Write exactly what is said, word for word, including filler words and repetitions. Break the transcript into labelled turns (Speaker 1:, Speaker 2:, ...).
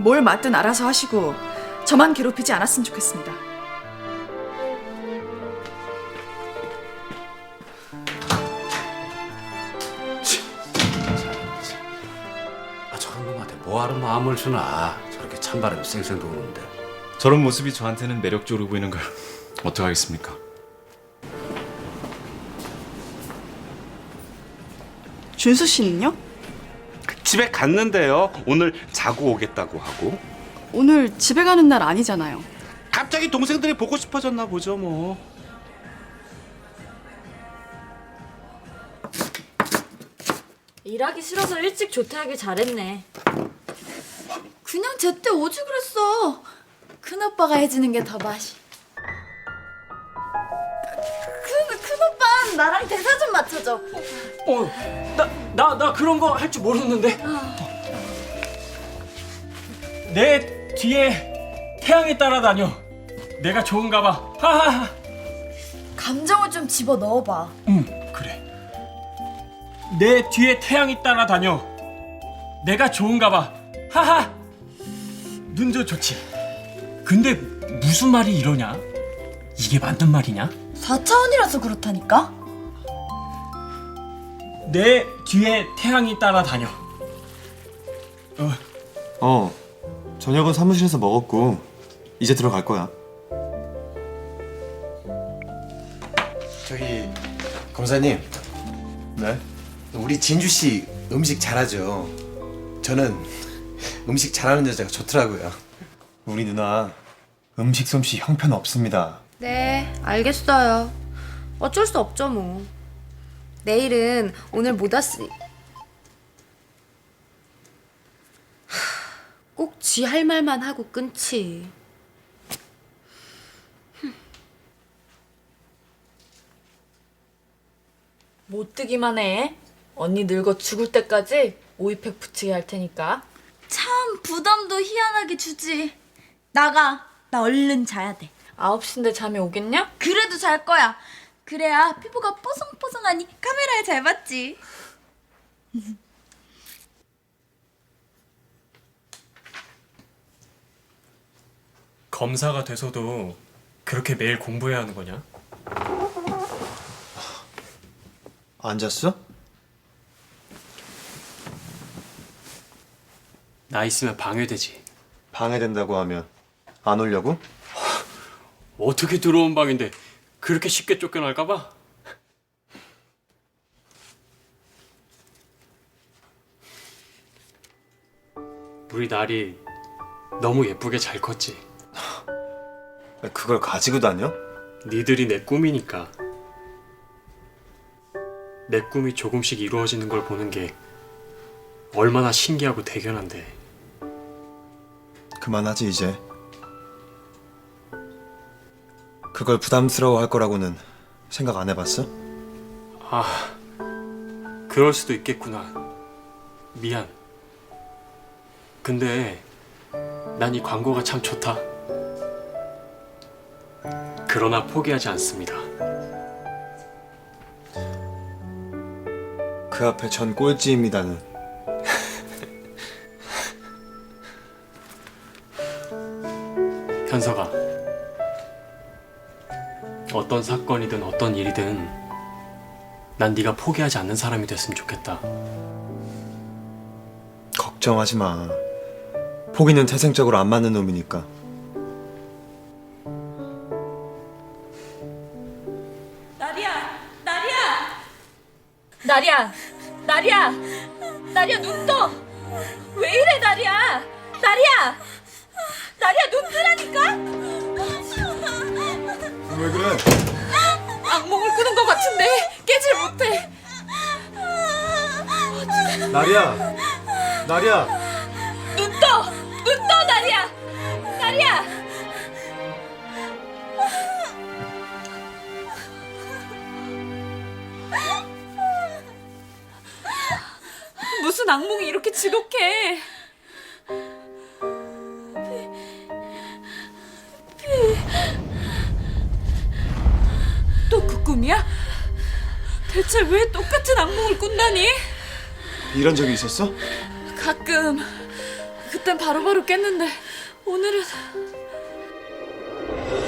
Speaker 1: 뭘 맡든 알아서 하시고 저만 괴롭히지 않았으면 좋겠습니다.
Speaker 2: 아, 저런 놈한테 뭐하러 마음을 주나. 저렇게 찬바람이 쌩쌩 도는데.
Speaker 3: 저런 모습이 저한테는 매력적으로 보이는 걸 어떡하겠습니까?
Speaker 1: 준수 씨는요?
Speaker 4: 집에 갔는데요. 오늘 자고 오겠다고 하고.
Speaker 1: 오늘 집에 가는 날 아니잖아요.
Speaker 4: 갑자기 동생들이 보고 싶어졌나 보죠 뭐.
Speaker 5: 일하기 싫어서 일찍 조퇴하길 잘했네.
Speaker 6: 그냥 제때 오지 그랬어. 큰오빠가 해주는 게 더 맛이. 큰, 큰오빠는 나랑 대사 좀 맞춰줘.
Speaker 7: 어, 나, 나, 나 그런 거 할 줄 모르는데. 내 뒤에 태양이 따라다녀. 내가 좋은가 봐. 하하하.
Speaker 6: 감정을 좀 집어넣어봐.
Speaker 7: 응, 그래. 내 뒤에 태양이 따라다녀. 내가 좋은가 봐. 하하. 눈도 좋지. 근데 무슨 말이 이러냐? 이게 맞는 말이냐?
Speaker 6: 사 차원이라서 그렇다니까?
Speaker 7: 내 뒤에 태양이 따라다녀. 어,
Speaker 8: 어, 저녁은 사무실에서 먹었고 이제 들어갈 거야.
Speaker 9: 저기 검사님,
Speaker 8: 네?
Speaker 9: 우리 진주 씨 음식 잘하죠? 저는 음식 잘하는 여자가 좋더라고요.
Speaker 8: 우리 누나 음식 솜씨 형편없습니다.
Speaker 5: 네, 알겠어요. 어쩔 수 없죠 뭐. 내일은 오늘 못 왔으니 꼭 지 할 말만 하고 끊지.
Speaker 10: 못 뜨기만 해. 언니 늙어 죽을 때까지 오이팩 붙이게 할 테니까.
Speaker 6: 참 부담도 희한하게 주지. 나가. 나 얼른 자야 돼.
Speaker 10: 아홉 시인데 잠이 오겠냐?
Speaker 6: 그래도 잘 거야. 그래야 피부가 뽀송뽀송하니 카메라에 잘 봤지.
Speaker 7: 검사가 돼서도 그렇게 매일 공부해야 하는 거냐?
Speaker 8: 안 잤어?
Speaker 7: 나 있으면 방해되지.
Speaker 8: 방해된다고 하면 안 오려고?
Speaker 7: 어떻게 들어온 방인데 그렇게 쉽게 쫓겨날까 봐? 우리 날이 너무 예쁘게 잘 컸지.
Speaker 8: 그걸 가지고 다녀?
Speaker 7: 니들이 내 꿈이니까. 내 꿈이 조금씩 이루어지는 걸 보는 게 얼마나 신기하고 대견한데.
Speaker 8: 그만하지 이제. 그걸 부담스러워할 거라고는 생각 안 해봤어?
Speaker 7: 아, 그럴 수도 있겠구나. 미안. 근데 난 이 광고가 참 좋다. 그러나 포기하지 않습니다.
Speaker 8: 그 앞에 전 꼴찌입니다는.
Speaker 7: 현서가, 어떤 사건이든 어떤 일이든 난 네가 포기하지 않는 사람이 됐으면 좋겠다.
Speaker 8: 걱정하지 마. 포기는 태생적으로 안 맞는 놈이니까.
Speaker 10: 나리야! 나리야! 나리야! 나리야! 나리야 눈 떠! 왜 이래 나리야! 나리야! 나리야 눈 뜨라니까!
Speaker 8: 왜 그래?
Speaker 10: 악몽을 꾸는 것 같은데 깨질 못해.
Speaker 8: 나리야, 나리야.
Speaker 10: 눈 떠! 눈 떠 나리야! 나리야! 무슨 악몽이 이렇게 지독해? 또 그 꿈이야? 대체 왜 똑같은 악몽을 꾼다니?
Speaker 8: 이런 적이 있었어?
Speaker 10: 가끔 그땐 바로바로 깼는데 오늘은